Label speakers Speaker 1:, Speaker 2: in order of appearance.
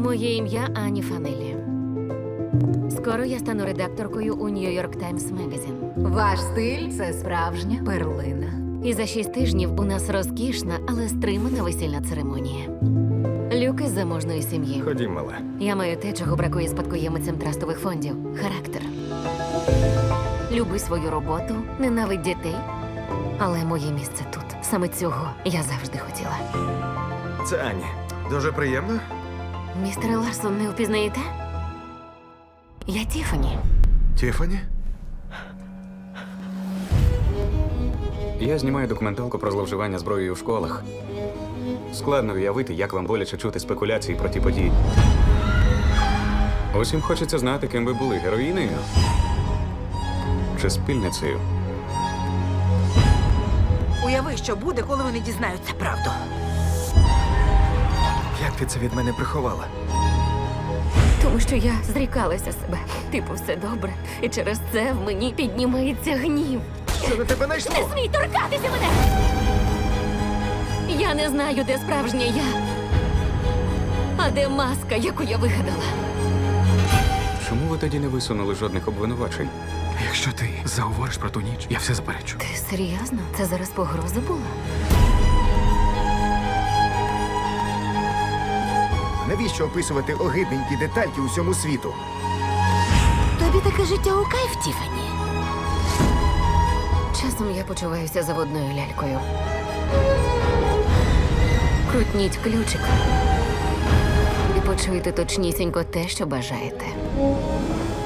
Speaker 1: Моє ім'я Ані Фанелі. Скоро я стану редакторкою у New York Times Magazine.
Speaker 2: Ваш стиль це справжня перлина.
Speaker 1: І за 6 тижнів у нас розкішна, але стримана весільна церемонія. Люк із заможної сім'ї.
Speaker 3: Ходім, мала.
Speaker 1: Я маю те, чого бракує спадкоємицям трастових фондів – характер. Люби свою роботу, ненавидь дітей. Але моє місце тут. Саме цього я завжди хотіла.
Speaker 3: Це Ані. Дуже приємно.
Speaker 1: Містере Ларсон, не впізнаєте? Я Тіфані.
Speaker 3: Тіфані?
Speaker 4: Я знімаю документалку про зловживання зброєю в школах. Складно уявити, як вам боляче чути спекуляції про ті події. Усім хочеться знати, ким ви були – героїнею чи спільницею.
Speaker 5: Уяви, що буде, коли вони дізнаються правду.
Speaker 3: Як ти це від мене приховала?
Speaker 1: Тому що я зрікалася себе. Типу, все добре. І через це в мені піднімається гнів.
Speaker 3: Що на тебе найшло?
Speaker 1: Не смій торкатися мене! Я не знаю, де справжнє я, а де маска, яку я вигадала.
Speaker 4: Чому ви тоді не висунули жодних обвинувачень?
Speaker 6: Якщо ти заговориш про ту ніч, я все заперечу.
Speaker 1: Ти серйозно? Це зараз погроза була?
Speaker 3: Навіщо описувати огидненькі детальки усьому світу?
Speaker 1: Тобі таке життя у кайф, Тіфані? Часом я почуваюся заводною лялькою. Крутніть ключик і почуйте точнісінько те, що бажаєте.